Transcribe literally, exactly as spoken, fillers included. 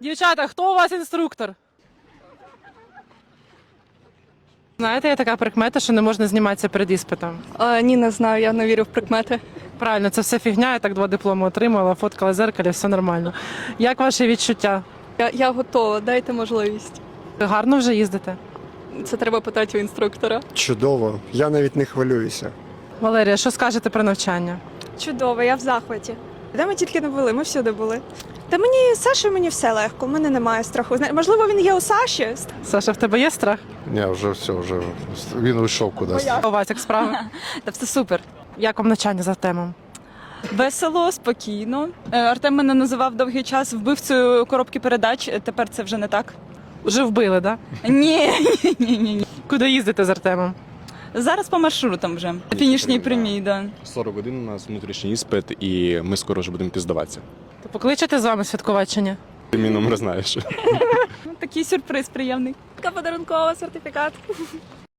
Дівчата, хто у вас інструктор? Знаєте, є така прикмета, що не можна зніматися перед іспитом. А, ні, не знаю, я не вірю в прикмети. Правильно, це все фігня, я так два дипломи отримала, фоткала в зеркалі, все нормально. Як ваші відчуття? Я, я готова, дайте можливість. Ви гарно вже їздите? Це треба питати у інструктора. Чудово, я навіть не хвилююся. Валерія, що скажете про навчання? Чудово, я в захваті. Де ми тільки не були, ми всюди були. Та мені Саша, мені все легко, у мене немає страху. Зна- Можливо, він є у Саші. Саша, в тебе є страх? Ні, вже все, вже він уйшов кудись. У вас як справи? Та все супер. Як вам навчання за темом? Весело, спокійно. Е, Артем мене називав довгий час вбивцею коробки передач. е, Тепер це вже не так. Вже вбили, так? Да? Ні, ні, ні, ні. Куди їздите з Артемом? Зараз по маршрутам вже. На фінішній прямій, да. сорок годин у нас внутрішній іспит, і ми скоро вже будемо піздаватися. То покличете з вами святкувати чи ні? Ти мій номер знаєш. Ну, такий сюрприз приємний. Така подарункова сертифікат.